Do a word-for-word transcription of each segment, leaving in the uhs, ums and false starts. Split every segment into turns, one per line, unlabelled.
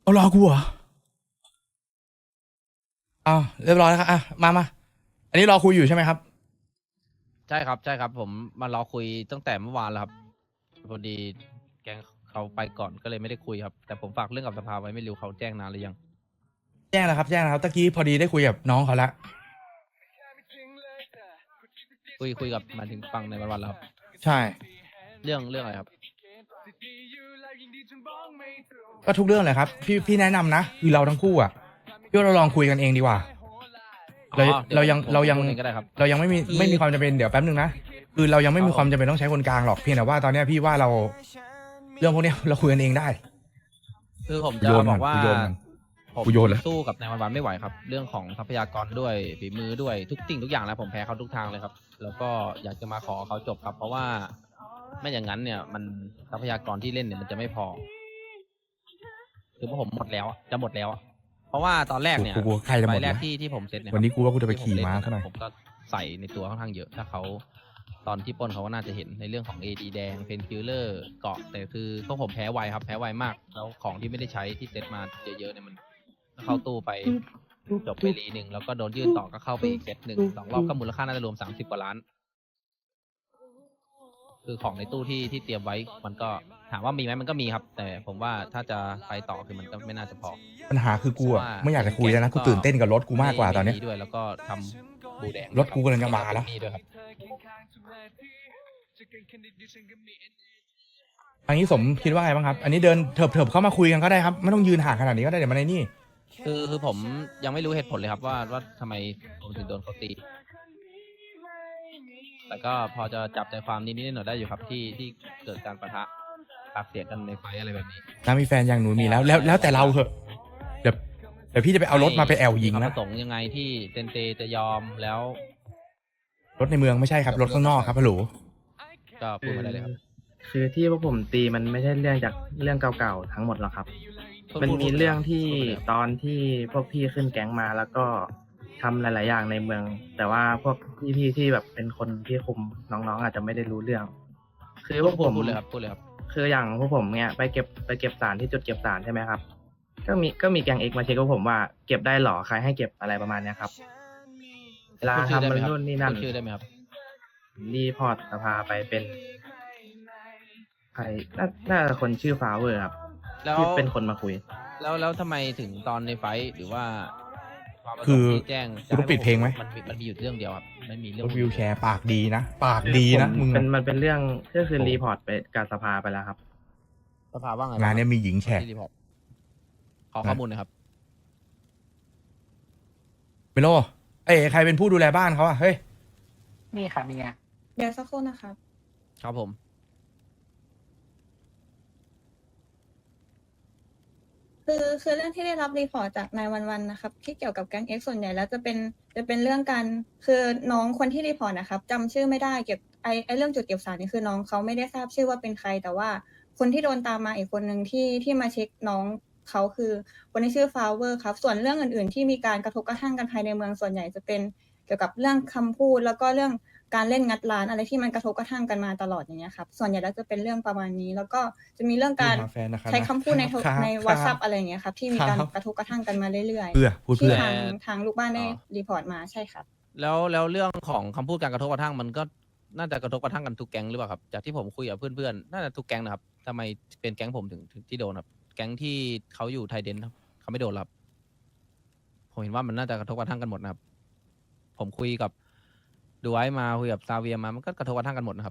เอารอกูเหรอเอาเรียบร้อยแล้วครับอ่ะมามาอันนี้รอคุยอยู่ใช่ไหมครับ
ใช่ครับใช่ครับผมมารอคุยตั้งแต่เมื่อวานแล้วครับพอดีแก๊งเขาไปก่อนก็เลยไม่ได้คุยครับแต่ผมฝากเรื่องกับสภาไว้ไม่รู้เขาแจ้งนานหรือยัง
แจ้งแล้วครับแจ้งแล้วครับตะกี้พอดีได้คุยกับน้องเขาละ
คุยคุยกับหมายถึงฟังในวันวันแล้วครับ
ใช่
เรื่องเรื่องอะไรครับ
ก็ทุกเรื่องเลยครับพี่พี่แนะนำนะคือเราทั้งคู่อ่ะพี่ว่าเราลองคุยกันเองดีกว่าเรา
อ๋อดี๋ว
เรายัง
ผม
เรายัง
พูดองก็ได้ครับ
เรายังไม่มี
คือ
ไม่มีความจำเป็นเดี๋ยวแป๊บนึงนะคือเรายังไม่มีความจำเป็นต้องใช้คนกลางหรอกเพียงแต่ว่าตอนเนี้ยพี่ว่าเราเรื่องพวกเนี้ยเราคุยกันเองได้
คือผม
กู
จะ
โยน
บ
มั
อน กว่า
กูโยนมัน
ผม
กูโยนแล้ว
สู้กับในวันวันไม่ไหวครับ เรื่องของทรัพยากรด้วยฝีมือด้วยทุกสิ่งทุกอย่างแล้วผมแพ้เขาทุกทางเลยครับ แล้วก็อยากจะมาขอเขาจบครับ เพราะว่าไม่อย่างนั้นเนี่ยมันทรัพยากรที่เล่นเนี่ยมันจะไม่พอ คือพวกผมหมดแล้วอะจะหมดแล้วอะเพราะว่าตอนแรกเนี่ย
กูกูใครจะหมด
ใบแรก
วะ
ที่ที่ผมเซตเนี่ย
วันนี้กูว่ากูจะไป
ที่ผ
ขี่
เล่น
ม้า
เนี่ย
ซะหน่อย
ผมก็ใส่ในตัวค่อนข้างเยอะ ถ้าเขาตอนที่ปล้นเขาก็น่าจะเห็นในเรื่องของ เอ ดี แดงเพนคิลเลอร์เกาะแต่คือพวกผมแพ้ไวครับแพ้ไวมาก แล้วของที่ไม่ได้ใช้ที่เซตมาเยอะๆเนี่ยมันเข้าตู้ไปจบไปรีหนึ่งแล้วก็โดนยื่นต่อก็เข้าไปอีกเซตหนึ่งสองรอบก็มูลค่าน่าจะรวมสามสิบกว่าล้าน คือของในตู้ที่ที่เตรียมไว้มันก็ถามว่ามีไหมมันก็มีครับ แต่ผมว่าถ้าจะไปต่อคือมันก็ไม่น่าจะพอ
ปัญหาคือกูอะ
ว่า
ไม่อยากจะคุยแล้วนะกูตื่นเต้นกับรถกูมากกว่าตอนเนี้ย
ได้วยแล้วก็ทำบูแดง
รถกูกำลังจะมาแล้ว
นี่ด้วยครับ
อันนี้สมคิดว่าไงบ้างครับ อันนี้เดินเถิบเถิบเข้ามาคุยกันก็ได้ครับไม่ต้องยืนห่างขนาดนี้ก็ได้เดี๋ยวมันในนี่
คือคือผมยังไม่รู้เหตุผลเลยครับว่าว่าทำไมผมถึงโดนเขาตี แต่ก็พอจะจับใจความนิดๆหน่อยๆได้อยู่ครับที่ที่เกิดการปะทะปากเสียงกันในไฟอะไรแบบนี้
ถ้ามีแฟนอย่างหนูมีแล้วแล้วแล้วแต่เราเถอะเดี๋ยวเดี๋ยวพี่จะไปเอารถมาไปแอลยิง
มีความ
นะ
ประสงค์ยังไงที่เซนเตจะยอมแล้ว
รถในเมืองไม่ใช่ครับรถข้างนอกครับฮัลโหล
ก็พูดมาได้เลยครับ
คือที่พวกผมตีมันไม่ใช่เรื่องจากเรื่องเก่าๆทั้งหมดหรอกครับ มันมีเรื่องที่ตอนที่พวกพี่ขึ้นแก๊งมาแล้วก็ทำหลาย ๆ อย่างในเมือง แต่ว่าพวกพี่ๆที่แบบเป็นคนที่คุมน้องๆอาจจะไม่ได้รู้เรื่อง คือพวก
พู
ผ
ด
ม
พูดเลยครับพูดเลยครับ
คืออย่างพวกผมเนี่ยไปเก็บไปเก็บสารที่จุดเก็บสารใช่ไหมครับ ก็มีก็มีแก๊งเอกมาเช็คพวกผมว่าเก็บได้หรอใครให้เก็บอะไรประมาณเนี้ยครับเวลา
พูดชื่อได้
ทำ
ไหม
มัน
ครับ
นู่นนี่นั่น
พูดชื่อได้ไหมครับ
รีพอร์ตสภาไปเป็นใครน่าน่าจะคนชื่อฟาเวอร์ครับ
แล้ว
ที่เป็นคนมาคุย
แล้วแล้วทำไมถึงตอนในไฟท์หรือว่าความประส
คื
ง
อ
ค์ที่แจ้ง
กูต้องปิดเพลงไหม
มันมีมันมีอยู่เรื่องเดียวครับไม่มีเรื่อ
รง ถวิวแชร์ปากดีนะปากดีนะ
ผม
มึง
เป็น
อะ
มันเป็นเรื่องก็คือ
โอ้
รีพอร์ตไปการสภาไปแล้วครับ
สภาว่าไง
งานเนี้ยมีหญิงแฉก
ที่รีพอร์ตขอข้อมูลหนะครับ
เมโลเอ้ยใครเป็นผู้ดูแลบ้านเขาอะเฮ้ย
นี่ค่ะเมีย
เดี๋ยวสักครู่นะครับ
ครับผม
คือคือเรื่องที่ได้รับรีพอร์ตจากนายวันวันนะครับ ที่เกี่ยวกับแก๊งเอ็กส่วนใหญ่แล้วจะเป็นจะเป็นเรื่องการคือน้องคนที่รีพอร์ตนะครับจำชื่อไม่ได้เก็บไอไอเรื่องจุดเก็บสารนี่คือน้องเขาไม่ได้ทราบชื่อว่าเป็นใคร แต่ว่าคนที่โดนตามมาอีกคนหนึ่งที่ที่มาเช็คน้องเขาคือคนที่ชื่อฟาวเวอร์ครับส่วนเรื่องอื่นๆ ที่มีการกระทบกระทั่งกันภายในเมืองส่วนใหญ่จะเป็นเกี่ยวกับเรื่องคำพูด แล้วก็เรื่องการเล่นงัดร้านอะไรที่มันกระทบกระทั่งกันมาตลอดอย่างเงี้ยครับส่วนใหญ่แล้วจะเป็นเรื่องประมาณนี้ แล้วก็จะมีเรื่องการ
หาแฟนนะครับ
ใช้คำพูดในโทร
ครับ
ใน
ครับ
วอทซัพอะไรอย่างเงี้ยครับที่มีการ
ครับ
กระทบกระทั่งกันมาเรื่อย
เพื่อพูด
ๆที่
เพื่อ
ทางทางลูกบ้านได้รีพอร์ตมาใช่ครับ
แล้วแล้วเรื่องของคำพูดการกระทบกระทั่งมันก็น่าจะกระทบกระทั่งกันทุกแก๊งหรือเปล่าครับจากที่ผมคุยกับเพื่อนๆน่าจะทุกแก๊งนะครับทำไมเป็นแก๊งผมถึงถึงที่โดนครับ แก๊งที่เขาอยู่ไทยเดนครับเขาไม่โดนหรอกครับผมเห็นว่ามันน่าจะกระทบกระทั่งกันหมดนะครับ ผมคุยกับดูไว้มาคุยกับซาเวียมามันก็กระทบกระทั่งกันหมดนะครับ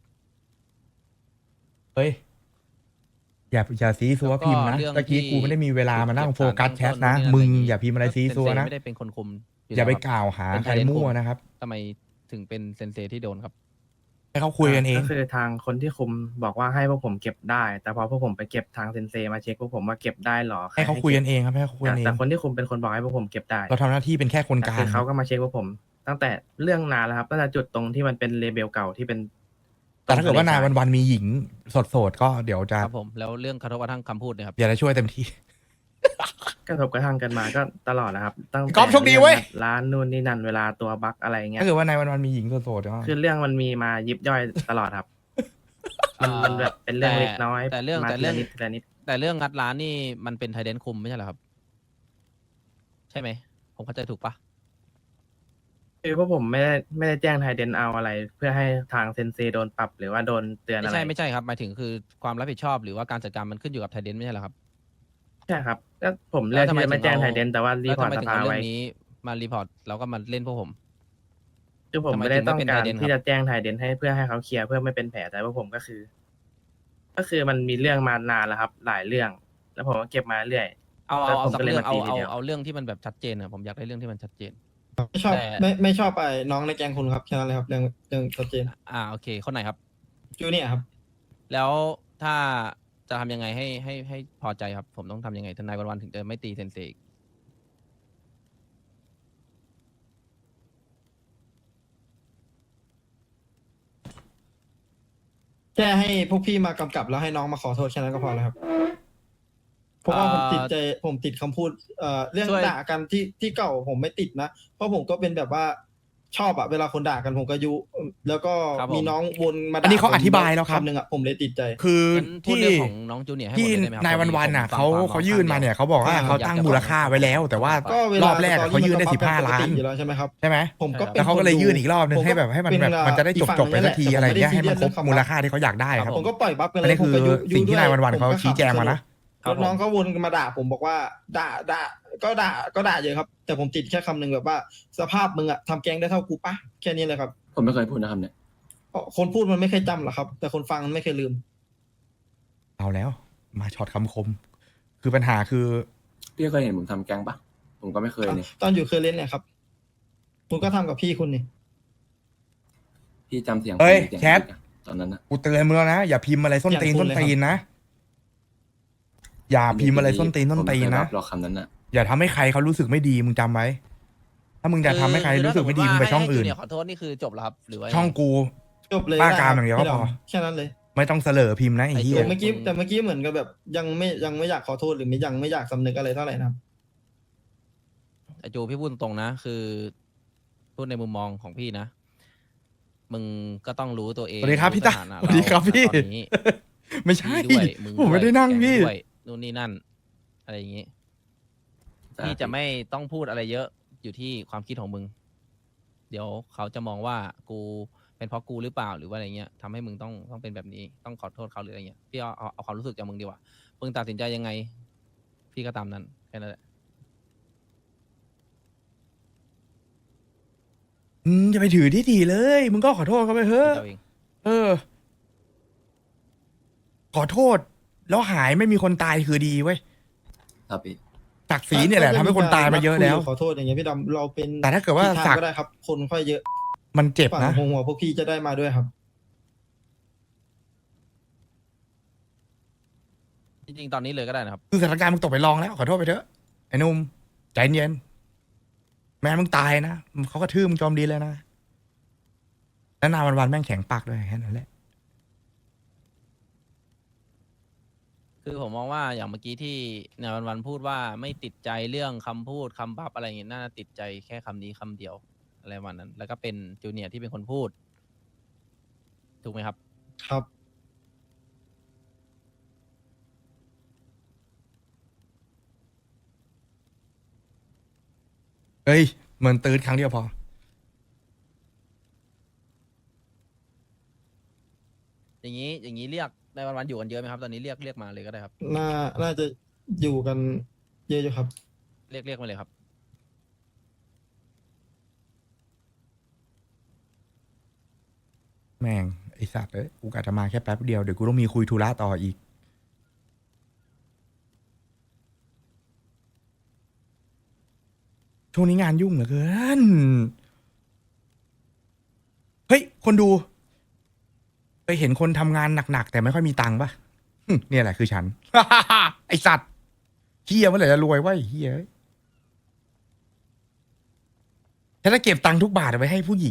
เฮ้ยอย่าอย่าซีซัว
แล้วก็
พิมพ์นะ
เรื่อง
ตะกี้
ที่
กูไม่ได้มีเวลามานั่งโฟกัสแชทนะ
เก็บสารตั้งต้น
มึง
นู่นนี่นั่น
อย่าพิมพ์อะไรซีซัวนะ
เซนเซไม่ได้เป็นคนคุม
อย่าไป
แล้วครับ
กล่าวหา
เป็น
ใคร
ไทยเดน
มั่ว
คุม
นะครับ
ทำไมถึงเป็นเซนเซที่โดนครับ
ให้เขาคุยกันเอง
ก็คือทางคนที่คุมบอกว่าให้พวกผมเก็บได้ แต่พอพวกผมไปเก็บทางเซนเซมาเช็คพวกผมว่าเก็บได้หรอใร
ให้เขาคุยกัน
ก็บ
เองครับให้เขาคุย
แต่
กันเอ
แต่
ง
คนที่คุมเป็นคนบอกให้พวกผมเก็บได้
เราทำหน้าที่เป็นแค่คนก
แต่
ลา
คื
ง
อเขาก็มาเช็คพวกผม ตั้งแต่เรื่องนานแล้วครับตั้งแต่จุดตรงที่มันเป็นเลเบลเก่าที่เป็น
แต่ถ้าเกิดว่านายวันวันๆมีหญิงโสดๆก็เดี๋ยวจะ
ครับผมแล้วเรื่องกระทบกระทั่งคำพูดเนี่ยครับ
อยากจะช่วยเต็มที่
กระทบกระทั่งกันมาก็ตลอดนะครับตั้งแต่
ก๊อฟโชคดีเว้ย
ร้านนู่นนี่นั่นเวลาตัวบั๊กอะไรเงี้ย
ถ้าเกิดว่านายวันวันๆมีหญิงโสดๆก็
คือเรื่องมันมีมายิบย่อยตลอดครับ มันมันแบบเป็นเรื่องเล็กน้อย
แต่เรื่อง
มา
แต่
ที
เรื่อ
ละ
ง
นิดทีละนิด
แต่เรื่องงัดร้านนี่มันเป็นไทเดนคุมไม่ใช่เหรอครับ ใช่ไหม ผมเข้าใจถูกปะ
คือพวกผมไม่ได้ไม่ได้แจ้งไทยเดนเอาอะไร เพื่อให้ทางเซนเซโดนปรับหรือว่าโดนเตือน
ไม่
อะไร
ใช่ไม่ใช่ครับหมายถึงคือความรับผิดชอบหรือว่าการจัดการมันขึ้นอยู่กับไทเดนไม่ใช่เหรอครับ
ใช่ครับก็ผมเลือกที่จะไม่แจ้งไทยเดนแต่ว่ารี
แล้ว
พอ
ทำ
ร์ต
ไม
ส
ถึง
ภา
เอาเรื่
ไว้
องนี้มารีพอร์ตแล้วก็มาเล่นพวกผม
คือผม
ทำไม
ไม่ได้
ถึงไม่
ต้อง
เป็น
การ
Trident
ที่
ครั
จะ
บ
แจ้งไทยเดนให้เพื่อให้เขาเคลียร์เพื่อไม่เป็นแผลแต่ว่าผมก็คือ ก็คือมันมีเรื่องมานานแล้วครับ หลายเรื่อง แล้วผมก็เก็บมาเรื่อย
เอา
แล้
เอา
ว
เอา
ผม
สัก
ก็เลย
เรื่อง
มา
เอา
ตีที
เอา
เดียว
เอาเรื่องที่มันแบบชัดเจนอะผมอยากได้เรื่องที่มันชัดเจน
ไม่ชอบ
แต่
ไม่ไม่ชอบไอ้น้องในแกงคุณครับแค่นั้นเลยครับเรื่องเรื่องชัดเจน
อ่าโอเคคนไหนครับ
จูเนี่ยร์ครับ
แล้วถ้าจะทำยังไงให้ให้ให้พอใจครับ ผมต้องทำยังไงทนายวันๆถึงจะไม่ตีเซนเซอีก
แค่ให้พวกพี่มากำกับแล้วให้น้องมาขอโทษแค่นั้นก็พอแล้วครับเพราะว่าผมติดใจผมติดคำพูดเอ่อเรื่อง
ช่วย
ด่ากันที่ที่เก่าผมไม่ติดนะเพราะผมก็เป็นแบบว่าชอบอะเวลาคนด่ากันผมก็ยุแล้วก็
ครับผม
มีน้องวนมาด่า
อันนี้เขา
ผม
อธิบายแล้วครับ
คำหนึ่งอะผมเลยติดใจ
คือ
งั้นพูด
ที่
เรื่องของน้องจูเนียร์ให้หมด
ที่
เลยได้ไหมครับ
นาย
พอดี
วันๆน่ะ
ผมฟั
เขา
งความ
เขายื่นมาเนี่ยเขาบอกว่า
ครับ
เขาตั้งมูลค่าไว้แล้ว แต่ว่า
ก็เวลาร
อบแรกอะเขายื่นได้
สตอ
สิบห้า
รี่
ล้าน
อยู่แล้วใช่ไหมครับ
ใช่ไหม
ผมก็
ใช่
ป็
แล้วเขาก็เลย
คดู
ยื่นอีกรอบนึง
ผม
ให้แบบให้มันแบบ
เป็
มันจะได้จบจบๆไปสักทีอะไรเงี้ยให้มันครบมูลค่าที่เขาอยากได้ครับ
ผมก็ปล่อยบัฟกันเล
อัน
ย
นี้คือ
ผมก็ยุ
สิ่งที่
ยุด้
นายวันๆ
ผม
เขา
ก็
ชี้แจงมานะ
ครับ
แล้วน้องก็วนมาด่าผมบอกว่าด่าด่าก็ด่าก็ด่าเยอะครับ แต่ผมติดแค่คำหนึ่งแบบว่า สภาพมึงอะทำแกงได้เท่ากูปะแค่นี้เลยครับ
ผมไม่เคยพูดนะครับเนี่ย
เพราะคนพูดมันไม่เคยจำหรอกครับ แต่คนฟังมันไม่เคยลืม
เอาแล้ว มาช็อตคำคม คือปัญหาคือ
พี่เคยเห็นผมทำแกงปะผมก็ไม่เคยเนี่ย
ตอนอยู่เคยเล่นเนี่ยครับคุณก็ทำกับพี่คุณนี่
พี่จำเสียง
เอ้ย
ผมในสีง
แคท
พี่อะตอนนั้นอะ
กูเตือนมึงแล้วนะอย่าพิมพ์อะไรส้นตีน
อย่างคุ
ส้
ณ
น
เลยครับ
ตีนนะอย่าพิมพ์อะไรส้นตีนส้นตีน
ผมไม่เคย
นะ
รับหรอกคำนั้นอะ
อย่าทำให้ใครเขารู้สึกไม่ดีมึงจำไว้ ถ้ามึงจะทำให้ใครรู้สึกไม่ดีมึงไปช่องอื่น
เนี่ยขอโทษนี่คือจบแล้วครับหรือว่า
ช่องกู
จบเลย
บ้า
ได้
กาม
ครับ
อย่างเดียวก็
พี่
พอ
ดำแค่นั้นเลย
ไม่ต้องเสลอพิมพ์นะไอ้เหี้ย
แต่เมื่อกี้แต่เมื่อกี้เหมือนกับแบบ ยังไม่ยังไม่อยากขอโทษหรือไม่ยังไม่อยากสำนึกอะไรเท่าไหร่นะครับ
ไอจูพี่พูดตรงๆนะ คือ พูดในมุมมองของพี่นะ มึงก็ต้องรู้ตัวเอง
สวัสดีครับพี่ตา
ถนะ
สวัสดีครับ
เา
พี่
ตอนนี้
ไม่ใช่
พี่ด้วยมึง
ผมไม่ได้นั่ง
แก
พี่
ด้วยนู่นนี่นั่น อะไรอย่างงี้ พี่จะไม่ต้องพูดอะไรเยอะอยู่ที่ความคิดของมึง เดี๋ยวเขาจะมองว่ากูเป็นเพราะกูหรือเปล่าหรือว่าอะไรเงี้ยทำให้มึงต้องต้องเป็นแบบนี้ต้องขอโทษเขาหรืออะไรเงี้ยพี่เอาเอาเอาความรู้สึกจากมึงดีกว่ามึงตัดสินใจยังไง พี่ก็ตามนั้นแค่นั้นแหละ
อืมจะไปถือที่ถีเลย มึงก็ขอโทษเขาไปเถ
พี่
อะ
เจ้าเอง
เออ ขอโทษ แล้วหายไม่มีคนตายคือดีเว้ย
ครับพี่
ศักดิ์ศรีเนี่ยแหละทำให้คนตายมาเยอะแล้ว
ขอโทษอย่างเงี้ยพี่ดำเราเป็น
แต่ถ้าเกิดว่า
ผิทง
ศักดิ์
ก็ได้ครับ คนค่อยเยอะ
มันเจ็บ
ฝั่ง
นะ
หัวหัวพวกพี่จะได้มาด้วยครับ
จริงๆตอนนี้เลยก็ได้นะครับ
คือสถานการณ์มึงตกไปลองแล้ว ขอโทษไปเถอะไอ้หนุ่มใจเย็นแม่มึงตายนะเขาก็ทื่อมึงจอมดีเลยนะแล้วนาวันๆแม่งแข็งปากด้วยแค่นั้นแหละ
คือผมมองว่าอย่างเมื่อกี้ที่ในวันวันๆพูดว่าไม่ติดใจเรื่องคำพูดคำบับอะไรอย่างเงี้ยน่าจะติดใจแค่คำนี้คำเดียวอะไรวันนั้น แล้วก็เป็นจูเนียร์ที่เป็นคนพูด ถูกไหมครับ
ครับ
เอ้ยเหมือนตืดครั้งเดียวพอ
อย่างนี้อย่างนี้เรียกในวันวันๆอยู่กันเยอะไหมครับ ตอนนี้เรียกเรียกมาเลยก็ได้ครับ
น่าน่าจะอยู่กันเยอะอยู่ครับ
เรียกเรียกมาเลยครับ
แม่งไอสัตว์เอ้ยกูกะจะมาแค่แป๊บเดียวเดี๋ยวกูต้องมีคุยธุระต่ออีก ช่วงนี้งานยุ่งเหลือเกิน เฮ้ย คนดูเคยเห็นคนทำงานหนักๆแต่ไม่ค่อยมีตังค์ปะหึเนี่ยแหละคือฉัน ไอสัตว์เฮียเมื่อไหร่จะรวยวะไอ้เฮียฉันจะเก็บตังค์ทุกบาทเอาไว้ให้ผู้หญิง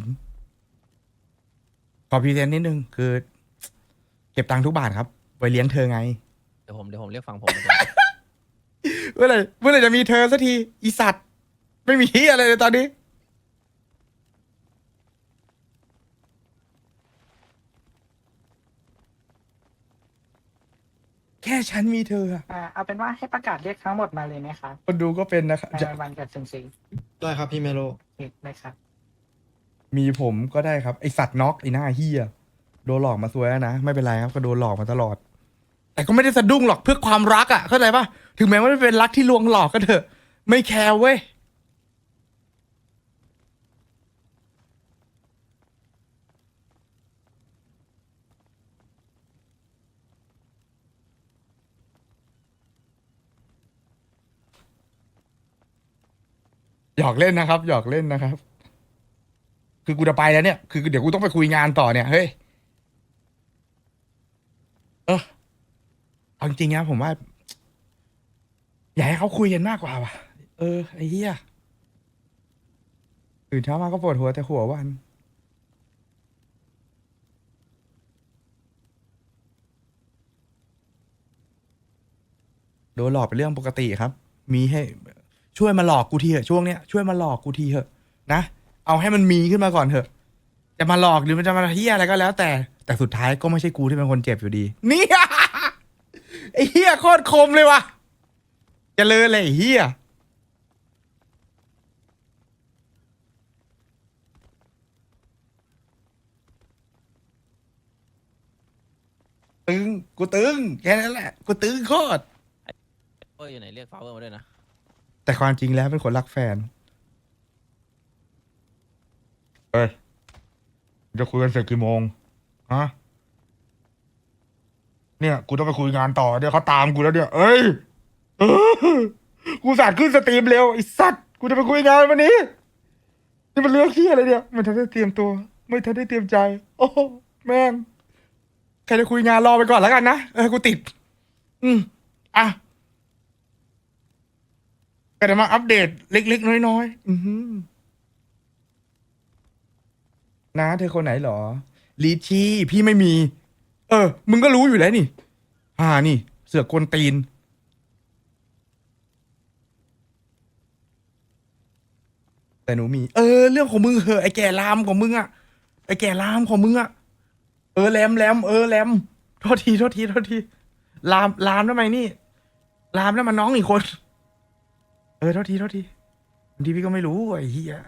ขอพรีเซนต์นิดนึงคือ เก็บตังค์ทุกบาทครับไว้เลี้ยงเธอไง
เดี๋ยวผมเดี๋ยวผมเรียกฟังผมเหมือนกัน
เมื่อไหร่เมื่อไหร่จะมีเธอสักทีอีสัตว์ไม่มีเฮียอะไรเลยตอนนี้แค่ฉันมีเธออะ
อ่าเอาเป็นว่าให้ประกาศเรียกทั้งหมดมาเลยไหมครับ
คนดูก็เป็นนะครับ
ใน
จะ
วันกับซึงซี
ได้ครับพี่เมโล
เอกเลยครับ
มีผมก็ได้ครับ ไอสัตว์น็อกไอหน้าเฮียโดนหลอกมาซวยแล้วนะ ไม่เป็นไรครับก็โดนหลอกมาตลอด แต่ก็ไม่ได้สะดุ้งหรอกเพื่อความรักอ่ะเข้าใจปะถึงแม้ว่าจะเป็นรักที่ลวงหลอกก็เถอะ ไม่แคร์เว้ย หยอกเล่นนะครับ หยอกเล่นนะครับ คือกูจะไปแล้วเนี่ย คือเดี๋ยวกูต้องไปคุยงานต่อเนี่ย เฮ้ย เออเอาจริงๆนะผมว่า อยากให้เขาคุยกันมากกว่าว่ะ เออ ไอ้เหี้ยตื่นเช้ามาก็ปวดหัวแต่หัววัน โดนหลอกเป็นเรื่องปกติครับ มีให้ช่วยมาหลอกกูทีเถอะช่วงเนี้ยช่วยมาหลอกกูทีเถอะนะ เอาให้มันมีขึ้นมาก่อนเถอะ จะมาหลอกหรือมันจะมาเฮียอะไรก็แล้วแต่ แต่สุดท้ายก็ไม่ใช่กูที่เป็นคนเจ็บอยู่ดี นี่ ไอ้เฮียโคตรคมเลยว่ะเจะเลยเลยไอ้เฮียตึงกูตึงแค่นั้นแหละกูตึงโคตร
เอออยู่ไหนเรียกฟาวเวอร์มาด้วยนะ
แต่ความจริงแล้วเป็นคนรักแฟน เอ้ย จะคุยกันเสร็จกี่โมง ฮะ เนี่ย กูต้องไปคุยงานต่อเดี๋ยวเขาตามกูแล้วเนี่ย เอ้ยเออกูสาดขึ้นสตรีมเร็วไอ้สัตว์ กูจะไปคุยงานวันนี้ นี่มันเรื่องขี้อะไรเนี่ย ไม่ทันได้เตรียมตัว ไม่ทันได้เตรียมใจ โอ้แม่ง ใครจะคุยงานรอไปก่อนแล้วกันนะ เออ กูติด อืม อ่ะ ก็จะมาอัปเดตเล็กๆ น้อยๆ อือหือนะเธอคนไหนเหรอ ลีชีพี่ไม่มี เออ มึงก็รู้อยู่แล้วนี่อ่านี่ เสือกกวนตีน แต่หนูมี เออ เรื่องของมึงเหอะไอแก่ลามของมึงอะไอแก่ลามของมึงอะเออแรมแรมเออแรมโทษทีโทษทีโทษทีลามลามทำไมนี่ ลามนั่นมันน้องอีกคน เออโทษทีโทษทีบางทีพี่ก็ไม่รู้ไอ้เหี้ย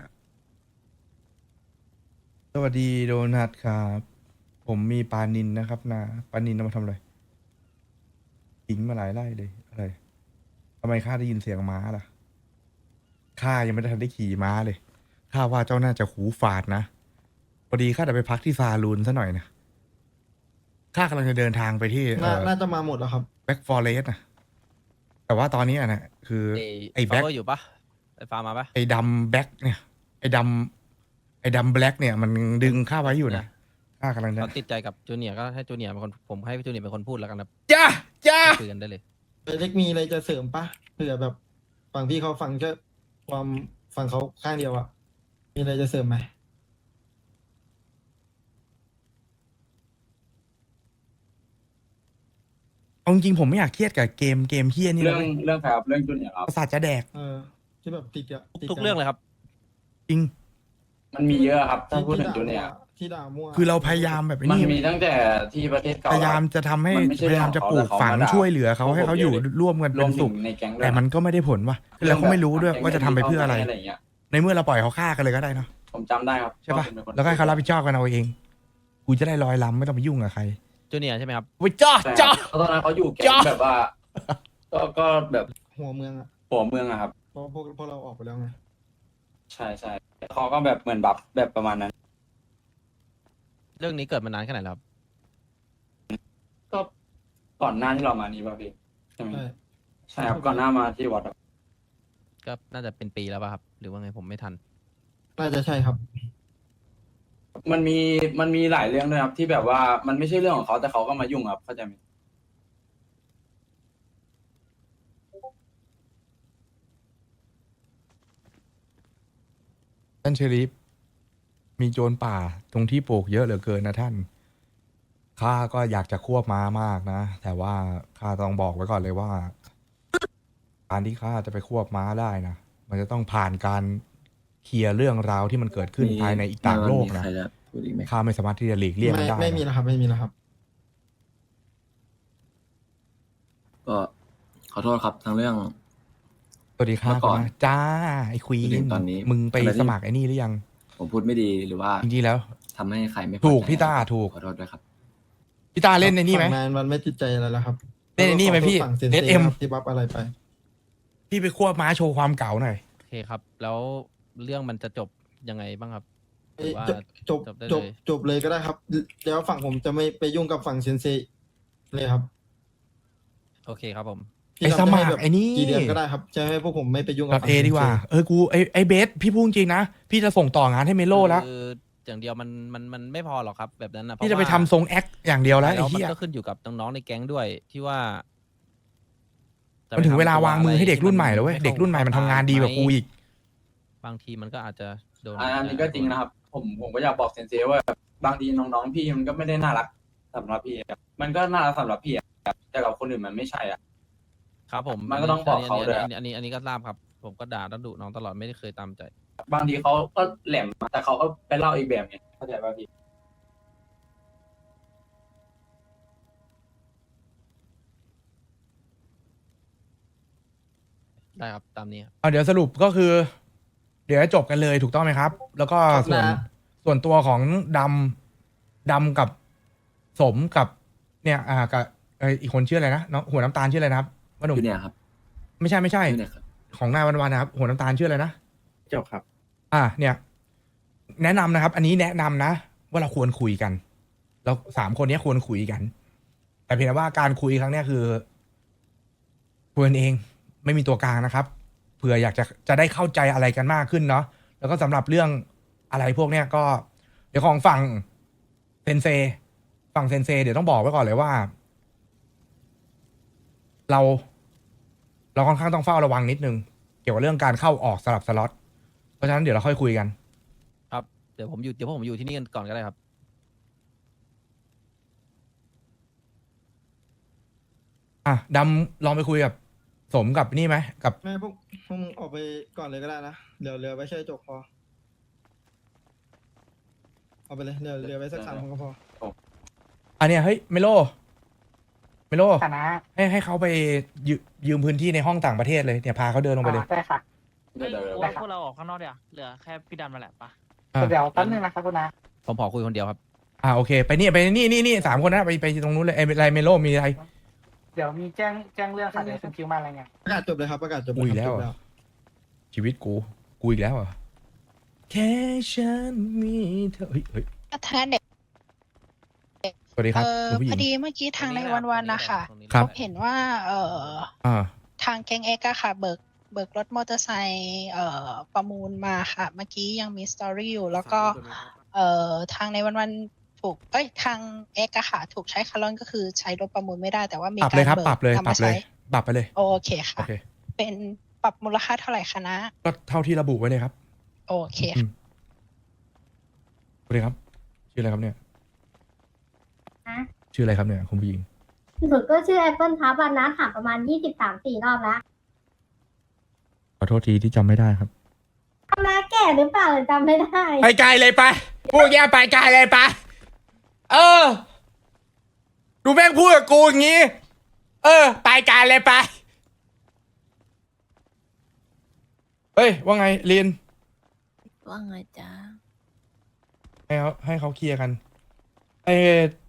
สวัสดีโดนัทครับ ผมมีปลานินนะครับนะปลานินเอามาทำอะไรทิ้งมาหลายไร่เลยอะไรทำไมข้าได้ยินเสียงม้าล่ะข้ายังไม่ได้ทันได้ขี่ม้าเลยข้าว่าเจ้าน่าจะหูฝาดนะพอดีข้าจะไปพักที่ซาลูนซะหน่อยนะข้ากำลังจะเดินทางไปที่
น่าน่าจะมาหมดแล้วครับ
แบ็กฟอเรสนะแต่ว่าตอนนี้อะนะคือ
ไอ้
ไอ้
ฟาว
แบ็ค
เวอร์อยู่ปะไอ้ฟาร์มมาปะ
ไอ้ดำแบ็กเนี่ย ไอ้ดำไอ้ดำแบล็กเนี่ย มันดึงข้าไว้อยู่นะข้ากำลังจะ
เขาติดใจกับจูเนียร์ก็ให้จูเนียร์เป็นคนผมให้จูเนียร์เป็นคนพูดแล้วกันครับ
จ้าจ้า
คุยกันได้เลย
เล็กมีอะไรจะเสริมปะเผื่อแบบฝั่งพี่เขาฟังแค่ความฝั่งเขาข้างเดียวอะมีอะไรจะเสริมไหม
เอาจริงๆผมไม่อยากเครียดกับเกมเกมเฮี้ยนี่
เรื่อง
เลย
เรื่องครับเรื่องจุนเนี่ยครับ
ประสาทจะแดก
เออ ที่แบบติดอะติด
ทุกเรื่องเลยครับ
จริง
มันมีเยอะครับถ้า
ที่
พูด
ที่
ถึง
ด่า
จุนเนี่ย
ที่ด่ามั่ว
คือเราพยายามแบบ
มัน
นี้
มีตั้งแต่ที่ประเทศเก่า
พยายามจะทำให้
มันไม่ใช่
พยายามจะปลูก
เรื่องของเขา
ฝัง
แต่เขามาด่า
ช่วยเหลือเขา
พวก
ให้เขาอยู่
ผมเยอะเลย
ร่วมกัน
ร
เป็
วม
น
ถึ
สุ
ง
ข
ในแก๊งด้วย
แต่มันก็ไม่ได้ผลว่ะแล้วเขาไม่รู้ด้วยว่าจะทำไปเพื่ออะไร
อะไรอย่างเงี้ย
ในเมื่อเราปล่อยเขาฆ่ากันเลยก็ได้เนาะ
ผมจำได้ครับ
ใช่ปะ
ว่าคุณเป็นคน
แล้วก็ให้เขารับผิดชอบกันเอาเองกูจะได้ลอยลำไม่ต้องไปยุ่งกับใคร
จูเนียร์ใช่ไหมครับ
ไปจ้า
ใช่
จ้า
ครับเพราะตอนนั้นเขาอยู่แก๊
จ้ะ
งแบบว่า ก็ก็แบบ
หัวเมืองอะ
หัวเมืองอะครับ
เพราะพวกพวกเราออกไปแล้วไง
ใช่ใช่เขาก็แบบเหมือนบัฟแบบประมาณนั้น
เรื่องนี้เกิดมานานแค่ไหนแล้วครับ
ก็ก่อนหน้าที่เรามานี่ป่ะพี่ใช่ไหม
ใช่
ใช่ครับก่อนหน้ามาที่วัดครับ
ก็น่าจะเป็นปีแล้วป่ะครับ หรือว่าไงผมไม่ทัน
น่าจะใช่ครับ
มันมีมันมีหลายเรื่องด้วยครับ ที่แบบว่ามันไม่ใช่เรื่องของเขาแต่เขาก็มายุ่งครับเข้าใจไหม
ท่านเชอริฟมีโจรป่าตรงที่ปลูกเยอะเหลือเกินนะท่านข้าก็อยากจะควบม้ามากนะ แต่ว่าข้าต้องบอกไว้ก่อนเลยว่า การที่ข้าจะไปควบม้าได้นะมันจะต้องผ่านการเคลียร์เรื่องราวที่มันเกิดขึ้นภายในอีกต่างโลกนะ
มีใครจะพูดอีกไหม
ข้าไม่สามารถที่จะหลีกเลี่ยง
ไม่
มันได้
ไม่มี
นะ
แล้วครับ ไม่มีแล้วครับ
ก็ขอโทษครับทั้งเรื่อง
สวัสดีครับ
เมื่อก่อน
คุณาจ้าไอ้ควี
จนถึ
น
งตอนนี้
มึงไป
ขณะที่
สมัครไอ้นี่หรือยัง
ผมพูดไม่ดีหรือว่า
จริงๆแล้ว
ทำให้ใครไม่พอ
ถูก
ใจ
พี่ต้าถูก
ขอโทษด้วยครับ
พี่ตาเล่นในนี่ไหม
ฝั่งนายวันไม่ติดใจอะไรแล้วครับ
เล่นไอ้นี่ไหมพี่
ฝั่งเซน
เด
เซ่
ดเอ็ม
ครับที่บัฟอะไรไป
พี่ไปควบม้าโชว์ความเก่าหน่อย
โอเคครับ แล้วเรื่องมันจะจบยังไงบ้างครับหรือว่า
จบจบ
จบได้
จ
เล
บ
ย
จบเลยก็ได้ครับ แล้วฝั่งผมจะไม่ไปยุ่งกับฝั่งเซนเซเลยครับ
โอเคครับผม
พี่
ไอ้
ดำจะให้
สมัคร
แบบ
ไอ้นี่
กี่เดือนก็ได้ครับ จะให้พวกผมไม่ไปยุ่ง
ด
กั
อบ ท
ฝั่ง
เอ
เซนเซ
ดีกว่า เออกูไอ้ไอ้เบสพี่พูดจริงนะ พี่จะส่งต่องานให้เมโลแล้ว
คืออย่างเดียวมันมันมันไม่พอหรอกครับ แบบนั้นนะ
พี่จะไป
เพ
ทำ
ราว่า
ทรงแอคอย่างเดียวแล้วไอ้
แล้วมัน
เหี้ย
ก็ขึ้นอยู่กับน้องๆในแก๊งด้วยที่ว่าจะ
มันถึงเวลา
ไปทำ
วางมือให้เด็กรุ่นใหม่แล้วเว้ย
ที่
เด็กรุ่นใหม่มันทำงานดีกว่ากูอีก
บางทีมันก็อาจจะโดน
อันนี้ก็จริงนะครับ ผมผมก็อยากบอกเซนเซว่าแบบบางทีน้องๆพี่มันก็ไม่ได้น่ารักสำหรับพี่อะมันก็น่ารักสำหรับพี่อะแต่กับคนอื่นมันไม่ใช่อ่ะ
ครับผม
มันก็ต้องบอกเขาด้วย
อันนี้อันนี้อันนี้ก็ทราบครับ ผมก็ด่าแล้วดุน้องตลอดไม่ได้เคยตามใจ
บางทีเขาก็แหลมแต่เขาก็ไปเล่าอีกแบบไงเข้าใจป่ะพี่
ได้ครับตามนี้ครับ
เอาเดี๋ยวสรุปก็คือ เดี๋ยวจะจบกันเลยถูกต้องไหมครับ แล้วก็
ครับ
ส่วน
นะ
ส่วนตัวของดำดำกับสมกับ เนี่ย อ่ากับเอ่ออีกคนชื่ออะไรนะน้องหัวน้ำตาลชื่ออะไรนะครับว่าหนุ่ม
อยู่เนี่ยครับ
ไม่ใช่ไม่ใช่
อยู่เนี่ยครับ
ของนายวันวันนะครับ หัวน้ำตาลชื่ออะไรนะ
จบครับ
อ่า เนี่ย แนะนำนะครับ อันนี้แนะนำนะ ว่าเราควรคุยกัน เราสามคนเนี้ยควรคุยกัน แต่เพียงแต่ว่าการคุยครั้งเนี้ยคือคุยกันเองไม่มีตัวกลางนะครับเผื่ออยากจะจะได้เข้าใจอะไรกันมากขึ้นเนาะแล้วก็สำหรับเรื่องอะไรพวกเนี้ยก็ เดี๋ยวของฝั่งเซนเซฝั่งเซนเซเดี๋ยวต้องบอกไว้ก่อนเลยว่า เรา เราค่อนข้างต้องเฝ้าระวังนิดนึง เกี่ยวกับเรื่องการเข้าออกสลับสล็อตเพราะฉะนั้นเดี๋ยวเราค่อยคุยกัน
ครับเดี๋ยวผมอยู่เดี๋ยวผมอยู่ที่นี่กันก่อนก็ได้ครับ
อ่ะดำลองไปคุยกับสมกับนี่ไหมกับ
ไม่พวกพวกมึงออกไปก่อนเลยก็ได้นะเดี๋ยวเรือไว้แค่จบพอเอาไปเลยเรือเรือไว้สักสามคนก็พอ
อันเนี้ยเฮ้ยเมโลเมโล
คณะ
ให้ให้เขาไปยืมยืมพื้นที่ในห้องต่างประเทศเลยเนี่ยพาเขาเดินลงไปเลย
อ่าได้ค่ะ
เดี๋ยวเดี๋ยวเดี๋ยว
ได้ครับ
พวกเราออกข้างนอกเดี๋ยวาเหลือแค่พี่ดำมาแหละปะ
อ่ะ
เดี๋ยวแป๊บนึงนะครับคุณนะ
ผมขอคุยคนเดียวครับ
อ่าโอเค ไปนี่ไปนี่นี่นี่สามคนนะไปไปตรงนู้นเลยไอ้อะไรเมโลมีอะไร
เดี๋ยวมีแจ้งแจ้งเรื่องค่ะเดี๋ยวคุณคิวมาอะไรเงี้ย
ประกาศจบเลยครับประกาศจบ
อุ้ย
เลย
แล้
ครั
ว
บจบ
เหร
แล้
อ
ว
ชีวิตกูกูอีกแล้วเหรอแค่ฉันมีเธอเฮ้ยเฮ้ย
ทางเด็ก
สวัสดีครับ
เออ
คุณผู้ห
พ
ญิ
อง ดีเมื่อกี้ทางในวันวันๆนะคะ
ตรงนี้
ครับ
เห็นว่า เออ
อ่า
ทางแก๊งเอ็กอะค่ะ เบิกเบิกรถมอเตอร์ไซค์เอ่อประมูลมาค่ะ เมื่อกี้ยังมีสตอรี่อยู่ แล้วก็ เอ่อทางในวันวันๆถูกเอ้ยทางเอ็กอะค่ะ ถูกใช้คาร์ลอนก็คือใช้รถประมูลไม่ได้แต่ว่ามี
ปรับ
กา
เลย
ร
ครับ
เบิก
ปรับเลย
นำ
ปรั
มา
บเลย
ใช้
ปรับไปเลย
โอเค
โอ
ค่ะ
เค
เป็นปรับมูลค่าเท่าไหร่คะนะ
ก็เท่าที่ระบุไว้เลยครับ
โอเค
อื
ค่ะ
มสวัสดีครับ ชื่ออะไรครับเนี่ย
ฮะ
ชื่ออะไรครับเนี่ยคุณผู้หญิง
สุดก็ชื่อแอปเปิลครับวันนั้นถามประมาณยี่สิบสามสี่รอบแล้ว
ขอโทษทีที่จำไม่ได้ครับ
ทำไมแก่หรือเปล่าหรือจำไม่ได้
ไปไกลเลยไปพูดแย่ไปไกลเลยไปเออ ดูแม่งพูดกับกูอย่างงี้ เออ ไปไกลเลยไป เฮ้ย ว่าไงเรียน
ว่าไงจ๊ะ
ให้เขาให้เขาเคลียร์กันไอ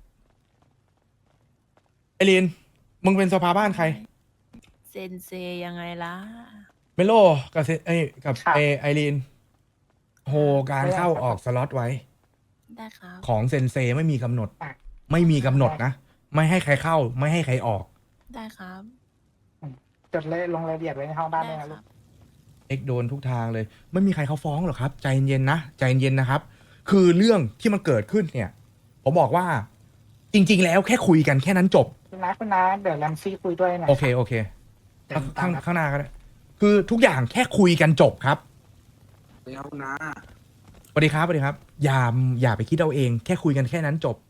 ไอเรียนมึงเป็นสภาบ้านใคร
เซนเซยังไงล่ะ
เมโลกับเซไอยกับไอไอรีนโหการเข้าออกสล็อตไว้
ได้ครับ
ของเซนเซไม่มีกำหนด ไม่มีกำหนดนะ ไม่ให้ใครเข้า ไม่ให้ใครออก
ได้ครับ
จดเลยลงรายละเอียดไว้ในห้องบ้านด้วยนะลูก
เอ็กโดนทุกทางเลย ไม่มีใครเขาฟ้องหรอกครับ ใจเย็นๆนะใจเย็นๆนะครับ คือเรื่องที่มันเกิดขึ้นเนี่ย ผมบอกว่า จริง ๆ แล้วแค่คุยกันแค่นั้นจบ
คุณนะคุณนะเดี๋ยวแรมซี่คุยด้วยหน่อย
โอเคโอเคข้างข้างข้างหน้าก็ได้คือทุกอย่างแค่คุยกันจบครับ
เดี๋ยวนะ
สวัสดีครับสวัสดีครับ อย่าอย่าไปคิดเอาเอง แค่คุยกันแค่นั้นจบ